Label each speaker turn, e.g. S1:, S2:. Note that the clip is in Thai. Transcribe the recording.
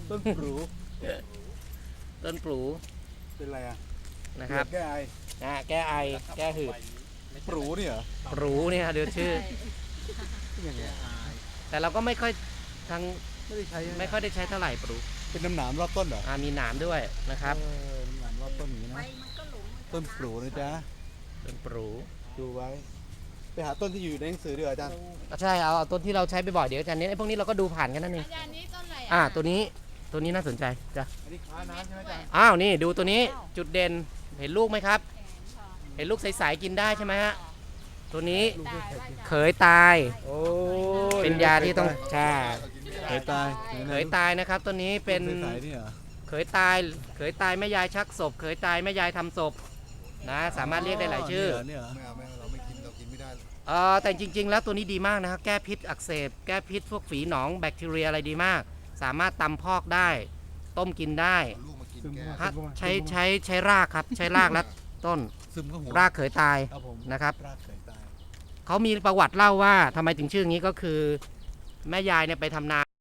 S1: ต้นปลู
S2: ต้นปลู
S1: เป็นอะไรอ่ะ
S2: นะครับ
S1: แก้ไอ
S2: แก้ไอแก้หืด
S1: ปลูนี่เหรอ
S2: ปลูเนี่ยเดี๋ยวชื่อ
S1: ยังไง
S2: แต่เราก็ไม่ค่อยทาง
S1: ไม่ได้ใช้
S2: ไม่ค่อยได้ใช้เท่าไหร่ปลู
S1: เป็นน้ำหนามรอบต้นเหรอ
S2: มีหนามด้วยนะครับ
S1: น้ำหนามรอบต้นอย่างนี้นะต้นปลูนะจ๊ะ
S2: ต้นปลู
S1: ดูไว้ไปหาต้นที่อยู่ในหนังสือดีกว่าอาจารย์
S2: ใช่เอาต้นที่เราใช้บ่อยๆเดี๋ยวอาจารย์นี้ไอ้พวกนี้เราก็ดูผ่านกันนั่นเอง
S3: อาจารย์นี้ต้นอะไร
S2: ตัวนี้น่าสนใจจ้ะ
S1: อันนี้ค้าน้ำใช่ไหมอาจารย์
S2: อ้าวนี่ดูตัวนี้จุดเด่นเห็นลูกไหมครับ เห็นลูกใสๆกินได้ใช่ไหมฮะตัวนี้เขยตาย
S1: โอ้
S2: เป็นยาที่ต้องใช่
S1: เขยตาย
S2: เขยตายนะครับตัวนี้เป็น
S1: สายๆนี่เหรอ
S2: เขยตายแม่ยายชักศพเขยตายแม่ยายทำศพนะสามารถเรียกได้หลายชื่อ
S1: เนี่ยเหรอ
S4: ไม่เอาเราไม่กินเรากินไม่ได้
S2: แต่จริงๆแล้วตัวนี้ดีมากนะครับแก้พิษอักเสบแก้พิษพวกฝีหนองแบคทีเรียอะไรดีมาก สามารถตำพอกได้ ต้มกินได้
S4: เอาลูกมากิน
S1: ซึม
S4: แก้
S1: เข้ามา
S2: ฮะ
S1: ซึมเข้ามา
S2: ใช้รากครับใช้รากและต้น
S1: ซึมเข้าหัว
S2: รากเขยตาย
S1: ครับผม
S2: นะครับ
S1: รากเขยตาย
S2: เขามีประวัติเล่าว่าทำไมถึงชื่ออย่างนี้ก็คือ แม่ยายเนี่ยไปทำนา